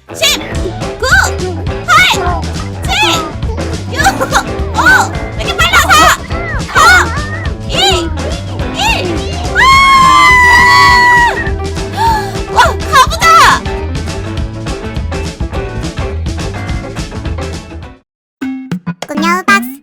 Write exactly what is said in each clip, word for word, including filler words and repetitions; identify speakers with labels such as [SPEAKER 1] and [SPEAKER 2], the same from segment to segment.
[SPEAKER 1] 십, 구, 팔, 칠, 육, 오, 왜 이렇게 빨라? 사, 삼, 이, 일. 와! 와, 가보자!
[SPEAKER 2] 꿈녀 박스.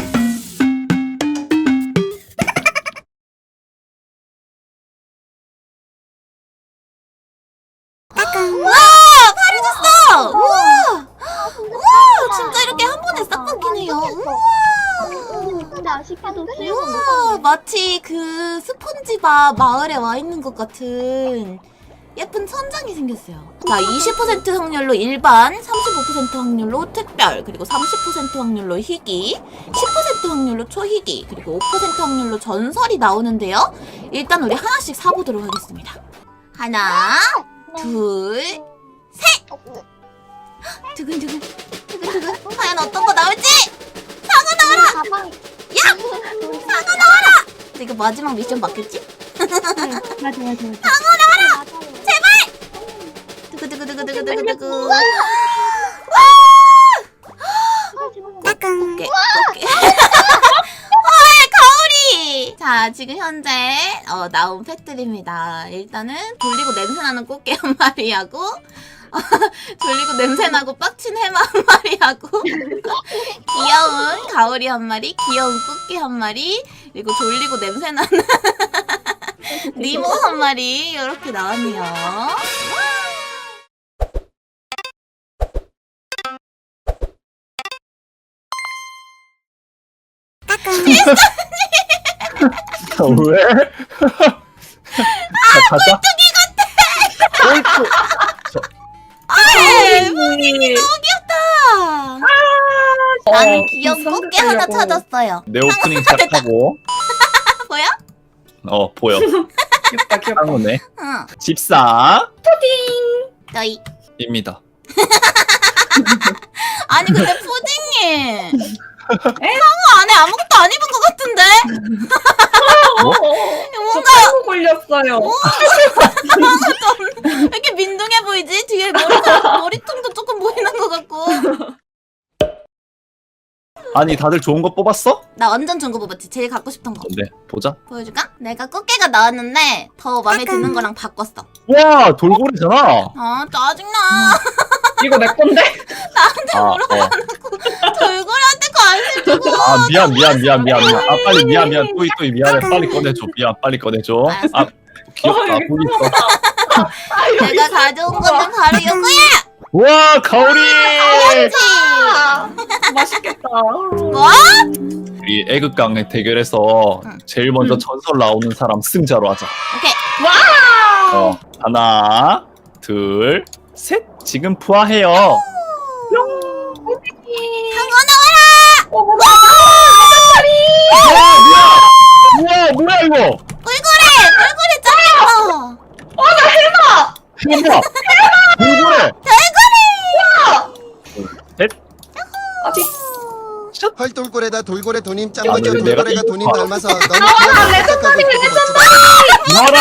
[SPEAKER 1] 우와! 파래졌어! 우와! 우와! 진짜 이렇게 한 번에 싹 바뀌네요. 우와!
[SPEAKER 2] 근데 아쉽게도 수영은 못
[SPEAKER 1] 우와!
[SPEAKER 2] 하네.
[SPEAKER 1] 마치 그 스폰지밥 마을에 와 있는 것 같은 예쁜 천장이 생겼어요. 자, 이십 퍼센트 확률로 일반, 삼십오 퍼센트 확률로 특별, 그리고 삼십 퍼센트 확률로 희귀, 십 퍼센트 확률로 초희귀, 그리고 오 퍼센트 확률로 전설이 나오는데요. 일단 우리 하나씩 사보도록 하겠습니다. 하나, 둘, 셋! 두근두근, 두근두근. 과연 어떤 거 나올지! 상어 나와라!
[SPEAKER 2] 가방.
[SPEAKER 1] 야! 상어 나와라! 이거 마지막 미션 맞겠지?
[SPEAKER 2] 맞아 맞아 맞아.
[SPEAKER 1] 상어 나와라! 제발! 두구두구두구두구두구두구. 와!
[SPEAKER 2] 따끔.
[SPEAKER 1] 꽃게, 꽃게. 헐, 가오리! 자, 지금 현재 어, 나온 펫들입니다. 일단은 돌리고 냄새나는 꽃게 한 마리하고 어, 졸리고 냄새나고 빡친 해마 한 마리하고 귀여운 가오리 한 마리, 귀여운 꽃게 한 마리, 그리고 졸리고 냄새나는 니모 한 마리 이렇게 나왔네요.
[SPEAKER 3] 왜? 아, 꼴뚜기 같아! 꼴뚜...
[SPEAKER 1] 아, 분위기 너무 귀엽다. 나는 귀여운 꽃게 하나 찾았어요.
[SPEAKER 3] 내 오프닝 시작하고
[SPEAKER 1] 보여?
[SPEAKER 3] 어 보여
[SPEAKER 4] 귀엽다 귀엽다.
[SPEAKER 3] 상호네
[SPEAKER 1] 응.
[SPEAKER 3] 집사
[SPEAKER 1] 너희.
[SPEAKER 3] 입니다.
[SPEAKER 1] 아니 근데 푸딩님 상어 안에 아무것도 안 입은 것 같은데?
[SPEAKER 3] 뭐?
[SPEAKER 1] 뭔가
[SPEAKER 4] 저 걸렸어요.
[SPEAKER 1] 왜 이렇게 민둥해 보이지? 뒤에 머리가, 머리통도 조금 보이는 것 같고.
[SPEAKER 3] 아니 다들 좋은 거 뽑았어?
[SPEAKER 1] 나 완전 좋은 거 뽑았지. 제일 갖고 싶던 거.
[SPEAKER 3] 네 보자.
[SPEAKER 1] 보여줄까? 내가 꽃게가 나왔는데 더 마음에 드는 거랑 바꿨어.
[SPEAKER 3] 와 돌고래잖아.
[SPEAKER 1] 아 짜증나.
[SPEAKER 4] 이거 내 건데?
[SPEAKER 1] 나한테
[SPEAKER 3] 아,
[SPEAKER 1] 물어봐놓고 돌고래한테 관심 주고.
[SPEAKER 3] 아 미안 미안 미안 미안 미안. 아 빨리 미안 미안 또이 또이 미안해 빨리 꺼내줘 미안 빨리 꺼내줘.
[SPEAKER 1] 알았어.
[SPEAKER 3] 아 귀엽다
[SPEAKER 4] 어,
[SPEAKER 3] 보기 있어.
[SPEAKER 1] 내가 가져온 거는 바로 이거야.
[SPEAKER 3] 와 가오리.
[SPEAKER 1] 그렇지.
[SPEAKER 4] 아, 맛있겠다.
[SPEAKER 1] 뭐?
[SPEAKER 3] 우리 애극강 대결에서
[SPEAKER 1] 응.
[SPEAKER 3] 제일 먼저
[SPEAKER 4] 응.
[SPEAKER 3] 전설 나오는 사람 승자로 하자.
[SPEAKER 1] 오케이.
[SPEAKER 4] 와!
[SPEAKER 3] 어 하나 둘 셋 지금 부화해요.
[SPEAKER 1] 상어 나와라.
[SPEAKER 4] 어머나!
[SPEAKER 3] 우와 뭐야 이거?
[SPEAKER 1] 꿀꿀해. 꿀꿀해 짱 예뻐.
[SPEAKER 3] 해봐. 돌고래. 셋.
[SPEAKER 4] 아직
[SPEAKER 5] 헐돌고래다 돌고래 돈임
[SPEAKER 3] 야,
[SPEAKER 5] 짱머져
[SPEAKER 3] 근데 내가
[SPEAKER 5] 돌고래가
[SPEAKER 3] 이거
[SPEAKER 5] 돈임
[SPEAKER 3] 봐.
[SPEAKER 5] 닮아서 너무
[SPEAKER 4] 아,
[SPEAKER 5] 귀여워
[SPEAKER 4] 레전더리,
[SPEAKER 3] 나라.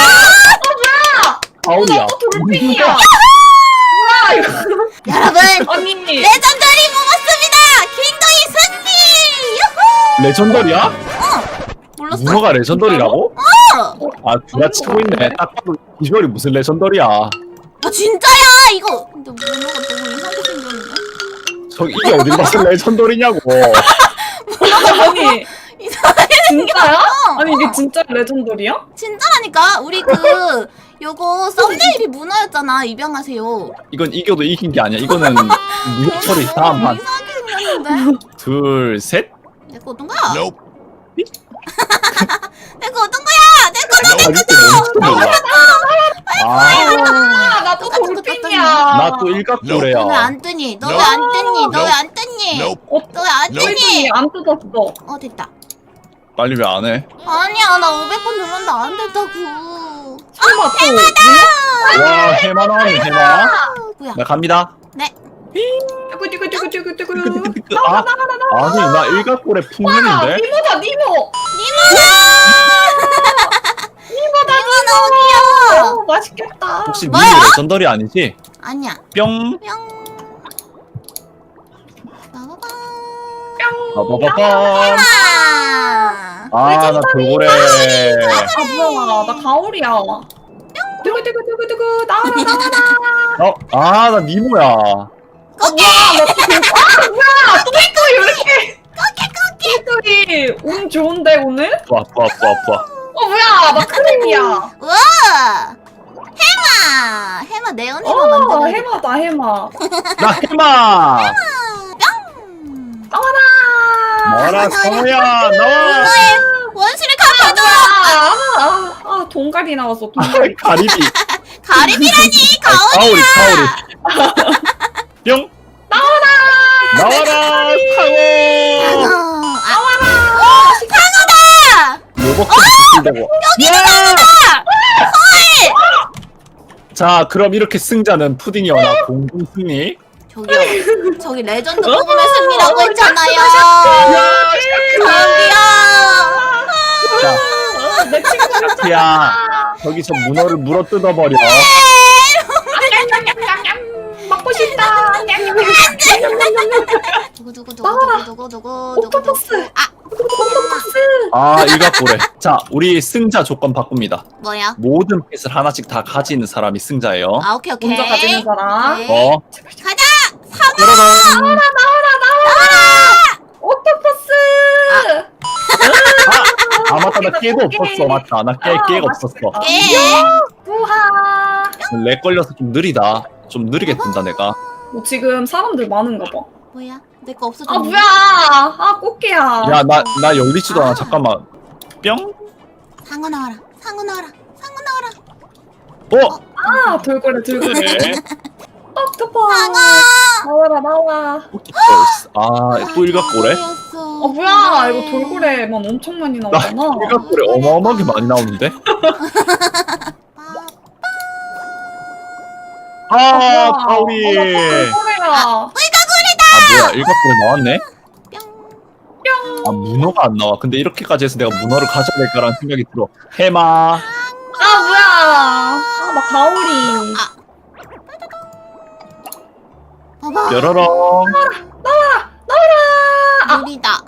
[SPEAKER 3] 가오리야.
[SPEAKER 4] 또 돌핀이야. 뭐야 이거?
[SPEAKER 1] 여러분
[SPEAKER 4] 언니.
[SPEAKER 1] 레전더리 먹었습니다. 킹도이 승리. 유후.
[SPEAKER 3] 레전더리야?
[SPEAKER 1] 몰랐어.
[SPEAKER 3] 문어가 레전더리라고?
[SPEAKER 1] 어.
[SPEAKER 3] 아 누가 치고 있네. 딱 봐도 비주얼이 무슨 레전더리야.
[SPEAKER 1] 아 진짜야 이거. 근데 문어가 너무 이상하게 생겼는데.
[SPEAKER 3] 저 이게 어디 봐서 레전더리냐고.
[SPEAKER 4] 아니
[SPEAKER 1] 이상하게
[SPEAKER 4] 진짜야?
[SPEAKER 1] 생겼어.
[SPEAKER 4] 아니 이게 진짜 레전더리야?
[SPEAKER 1] 진짜라니까. 우리 그 요거 썸네일이 문어였잖아. 입양하세요.
[SPEAKER 3] 이건 이겨도 이긴 게 아니야. 이거는 무효 처리 다음 판.
[SPEAKER 1] 이상하게 생겼는데.
[SPEAKER 3] 둘 셋.
[SPEAKER 1] 내거 어떤 거야?
[SPEAKER 5] Nope.
[SPEAKER 1] 내거 어떤 거야? 내거
[SPEAKER 3] 아 이거 몰라.
[SPEAKER 4] 아 나도
[SPEAKER 1] 똑같은 거
[SPEAKER 4] 돌핀이야.
[SPEAKER 3] 아나 또 일각고래야.
[SPEAKER 1] 너 왜 안 뜨니? 너 왜 안 뜨니? 너 왜 안 뜨니?
[SPEAKER 5] Nope.
[SPEAKER 1] 너 왜 안 뜨니?
[SPEAKER 4] 돌핀이 안 뜯었어.
[SPEAKER 1] 어 됐다.
[SPEAKER 3] 빨리 왜 안 해?
[SPEAKER 1] 아니야 나 오백 번 눌렀는데 안 된다고.
[SPEAKER 4] 설마 또
[SPEAKER 3] 와 해마 나왔네 해마.
[SPEAKER 1] 어, 뭐야?
[SPEAKER 3] 나 갑니다.
[SPEAKER 1] 네.
[SPEAKER 4] 뚜구뚜구뚜구뚜구뚜구.
[SPEAKER 3] 아 아니 나 일각고래 풍년인데.
[SPEAKER 4] 니모다 니모.
[SPEAKER 1] 이거 너무 귀여워.
[SPEAKER 4] 오 맛있겠다.
[SPEAKER 3] 혹시 니
[SPEAKER 1] 뭐야?
[SPEAKER 3] 레전더리 아니지?
[SPEAKER 1] 아니야.
[SPEAKER 3] 뿅.
[SPEAKER 1] 뿅.
[SPEAKER 3] 빠바바밤.
[SPEAKER 1] 아,
[SPEAKER 3] 아, 나 돌고래.
[SPEAKER 4] 아 뭐야 나 가오리야. 두구두구두구두구 나와라 나와라.
[SPEAKER 3] 어, 아, 나 니모야.
[SPEAKER 1] 오케이.
[SPEAKER 4] 아 뭐야 또이또이 왜 이렇게 또이또이 운 좋은데 오늘?
[SPEAKER 3] 좋아, 좋아, 좋아, 좋아.
[SPEAKER 4] 어 뭐야 나 크림이야.
[SPEAKER 1] 우와. 해마. 해마 네온 해마
[SPEAKER 4] 어
[SPEAKER 1] 만들어.
[SPEAKER 4] 해마다 해마.
[SPEAKER 3] 나 해마.
[SPEAKER 1] 뿅.
[SPEAKER 4] 나와라.
[SPEAKER 3] 나와라, 성우야, 나와.
[SPEAKER 1] 원시를 갚아줘.
[SPEAKER 4] 아, 아, 아 동갈이 나왔어 동갈이.
[SPEAKER 3] 가리비.
[SPEAKER 1] 가리비라니 가오리.
[SPEAKER 3] 가오리, 가오리. 뿅. 나와라. 나와라, 상어.
[SPEAKER 1] 아, 상어다.
[SPEAKER 3] 로봇까지 붙인다고. 여기도 상어다. 자, 그럼 이렇게 승자는 푸딩이어나 공동 승리.
[SPEAKER 1] 저기요. 저기 레전드 뽑으면 승리라고 했잖아요. 저기요.
[SPEAKER 3] 자,
[SPEAKER 4] 내 친구가
[SPEAKER 3] 샤키야, 저기서 문어를 물어 뜯어버려.
[SPEAKER 4] 냠냠냠냠 먹고 싶다.
[SPEAKER 1] 누구 누구 누구 누구 누구 누구 누구
[SPEAKER 4] 옥토퍼스.
[SPEAKER 1] 아
[SPEAKER 3] 아, 일각고래. 자, 우리 승자 조건 바꿉니다.
[SPEAKER 1] 뭐야?
[SPEAKER 3] 모든 펫을 하나씩 다 가지는 사람이 승자예요.
[SPEAKER 1] 아 오케이 오케이.
[SPEAKER 4] 먼저 가지는 사람.
[SPEAKER 1] 오케이.
[SPEAKER 3] 어,
[SPEAKER 1] 가자.
[SPEAKER 3] 짜라란.
[SPEAKER 4] 옥토퍼스.
[SPEAKER 3] 아, 맞다, 나 깨도 없었어. 맞다, 나 깨,
[SPEAKER 4] 아,
[SPEAKER 3] 깨가
[SPEAKER 4] 맛있겠다.
[SPEAKER 3] 없었어.
[SPEAKER 1] 예.
[SPEAKER 4] 우하.
[SPEAKER 3] 렉 걸려서 좀 느리다. 좀 느리게 뜬다, 내가.
[SPEAKER 4] 뭐 지금 사람들 많은가 봐.
[SPEAKER 1] 뭐야? 내 거 없어졌네.
[SPEAKER 4] 아 뭐야? 아 꽃게야.
[SPEAKER 3] 야, 나, 나 열리지도 않아. 잠깐만. 뿅?
[SPEAKER 1] 상어 나와라. 상어 나와라. 상어 나와라.
[SPEAKER 3] 어?
[SPEAKER 4] 아 돌고래 돌고래. 옥토퍼.
[SPEAKER 1] 상어.
[SPEAKER 4] 나와라 나와.
[SPEAKER 3] 아, 또 일각고래?
[SPEAKER 4] 아 뭐야? 이거 돌고래만 엄청 많이
[SPEAKER 3] 나
[SPEAKER 4] 나오잖아.
[SPEAKER 3] 일각고래 어마어마하게 많이 나오는데? 아, 가오리.
[SPEAKER 4] 돌고래야.
[SPEAKER 3] 아, 뭐야, 일각고래 나왔네?
[SPEAKER 1] 뿅.
[SPEAKER 3] 아, 문어가 안 나와. 근데 이렇게까지 해서 내가 문어를 가져야 될까라는 생각이 들어. 해마.
[SPEAKER 4] 아 뭐야? 아막 가오리.
[SPEAKER 1] 봐봐.
[SPEAKER 3] 뾰로롱.
[SPEAKER 1] 느리다.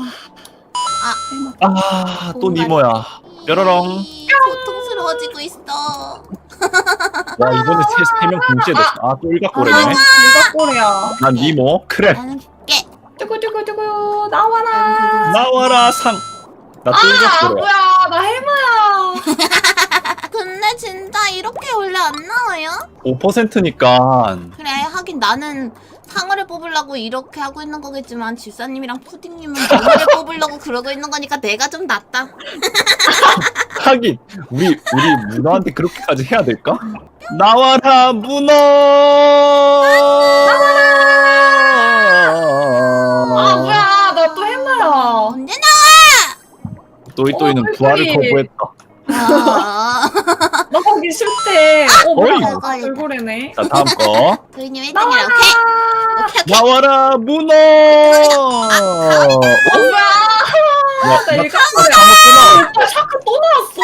[SPEAKER 3] 아, 또 니모야. 뾰로롱.
[SPEAKER 1] 고통스러워지고 있어.
[SPEAKER 3] 와, 이번에 세, 세 명 동시에 됐어. 아, 또 일각고래네.
[SPEAKER 4] 일각고래야.
[SPEAKER 3] 난 니모. 그래.
[SPEAKER 1] 나는 깨.
[SPEAKER 4] 두구두구두구 나와라.
[SPEAKER 3] 나와라, 상. 나 또
[SPEAKER 4] 아
[SPEAKER 3] 일각고래.
[SPEAKER 4] 뭐야? 나 해마야.
[SPEAKER 1] 근데 진짜 이렇게 원래 안 나와요?
[SPEAKER 3] 오 퍼센트니까.
[SPEAKER 1] 그래 하긴 나는 상어를 뽑으려고 이렇게 하고 있는 거겠지만 집사님이랑 푸딩님은 문어를 뽑으려고 그러고 있는 거니까 내가 좀 낫다.
[SPEAKER 3] 하긴 우리 우리 문어한테 그렇게까지 해야 될까? 나와라 문어.
[SPEAKER 4] 아 뭐야? 나 또 해마야.
[SPEAKER 1] 언제 나와?
[SPEAKER 3] 또이또이는
[SPEAKER 4] 어,
[SPEAKER 3] 부활을
[SPEAKER 4] 꿀꿀이.
[SPEAKER 3] 거부했다.
[SPEAKER 1] 아,
[SPEAKER 4] 나 거기 싫대. 어 뭐야?
[SPEAKER 3] 어이.
[SPEAKER 4] 아, 돌고래네.
[SPEAKER 3] 자, 다음 거.
[SPEAKER 1] 도희님 일 등이라 오케이. 오케이 오케이.
[SPEAKER 3] 나와라 문어.
[SPEAKER 4] 아
[SPEAKER 3] 어?
[SPEAKER 4] 뭐야?
[SPEAKER 3] 야,
[SPEAKER 4] 나
[SPEAKER 3] 나
[SPEAKER 4] 일각고래.
[SPEAKER 3] 까먹구나.
[SPEAKER 4] 오빠 샤크 또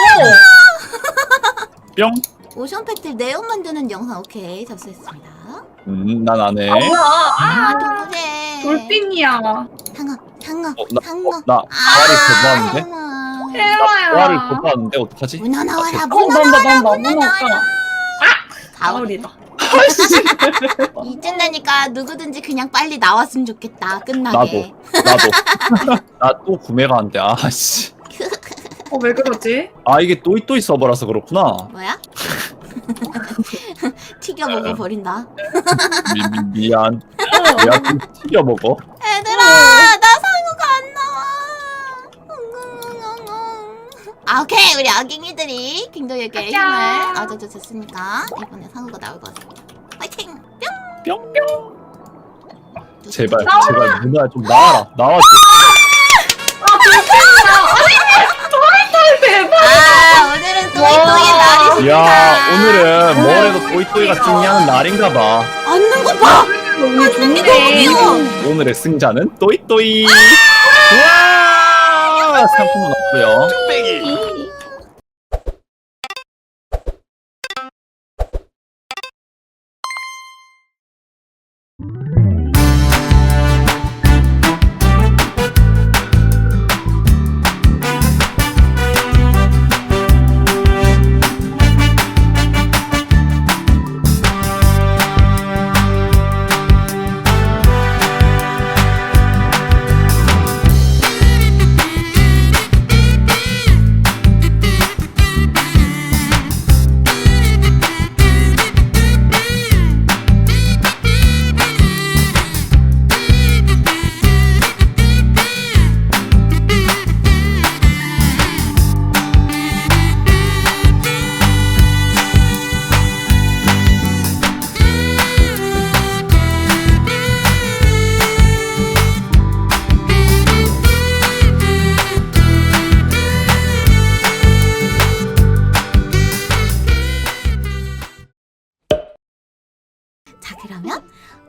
[SPEAKER 4] 나왔어.
[SPEAKER 3] 뿅.
[SPEAKER 1] 오션 패틀 네온 만드는 영상 오케이 접수했습니다.
[SPEAKER 3] 음, 난 안 해.
[SPEAKER 4] 아 뭐야? 아
[SPEAKER 1] 아 동그래.
[SPEAKER 4] 돌빙이야.
[SPEAKER 1] 상어 상어
[SPEAKER 3] 어, 나,
[SPEAKER 1] 상어.
[SPEAKER 3] 어, 나 부활을 거부하는데?
[SPEAKER 1] 아,
[SPEAKER 4] 해마야.
[SPEAKER 3] 부활을 거부하는데 어떡하지?
[SPEAKER 1] 문어 나와라
[SPEAKER 3] 아,
[SPEAKER 1] 문어
[SPEAKER 4] 어 난다
[SPEAKER 1] 나와라
[SPEAKER 4] 난다
[SPEAKER 1] 문어
[SPEAKER 4] 문어
[SPEAKER 1] 나와라.
[SPEAKER 4] 없다.
[SPEAKER 1] 가오리.
[SPEAKER 4] 가오리다.
[SPEAKER 1] 이쯤 되니까 누구든지 그냥 빨리 나왔으면 좋겠다. 끝나게.
[SPEAKER 3] 나도. 나 또 구매가 안 돼. 아씨.
[SPEAKER 4] 어 왜 그러지?
[SPEAKER 3] 아, 이게 또이또이 서버라서 그렇구나.
[SPEAKER 1] 뭐야? 튀겨 먹어 버린다.
[SPEAKER 3] 미, 미, 미안.
[SPEAKER 4] 어.
[SPEAKER 3] 내가 좀 튀겨 먹어.
[SPEAKER 1] 얘들아, 나 상어가 안 나와. 아, 오케이. 우리 아깅이들이 킹도에게 힘을
[SPEAKER 4] 가자.
[SPEAKER 1] 얻어줬으니까 이번에 상어가 나올 것 같습니다. 파이팅!
[SPEAKER 3] 뿅.
[SPEAKER 1] 뿅!
[SPEAKER 3] 제발,
[SPEAKER 4] 나와라.
[SPEAKER 3] 제발 누나 좀 나와라. 나와줘.
[SPEAKER 4] 아 돌빙이야. 아니 대박.
[SPEAKER 1] 아, 오늘은 또이또이 날이
[SPEAKER 3] 야, 오늘은 뭐래도 또이또이가 승리하는 날인가봐.
[SPEAKER 1] 앉는 거 봐!
[SPEAKER 4] 너무
[SPEAKER 1] 좋네.
[SPEAKER 4] 좋네.
[SPEAKER 3] 오늘의 승자는 또이또이. 우와! 상품은 없고요.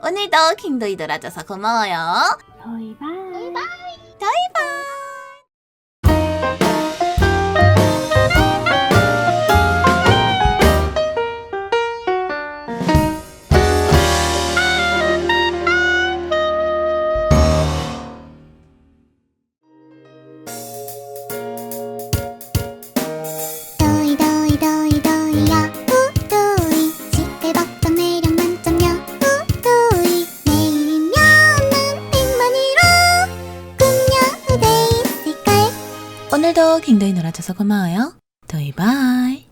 [SPEAKER 1] 오늘도 킹도이 놀아줘서 고마워요.
[SPEAKER 2] 저희 봐.
[SPEAKER 1] 바이바이.
[SPEAKER 2] 도이 도이 도이 도이야 우도이 시끌벅적 매력 만점 여우도이 내일이면은 백만이로 꿈여 후대 있을걸.
[SPEAKER 1] 오늘도 킹도이 놀아줘서 고마워요. 도이 바이.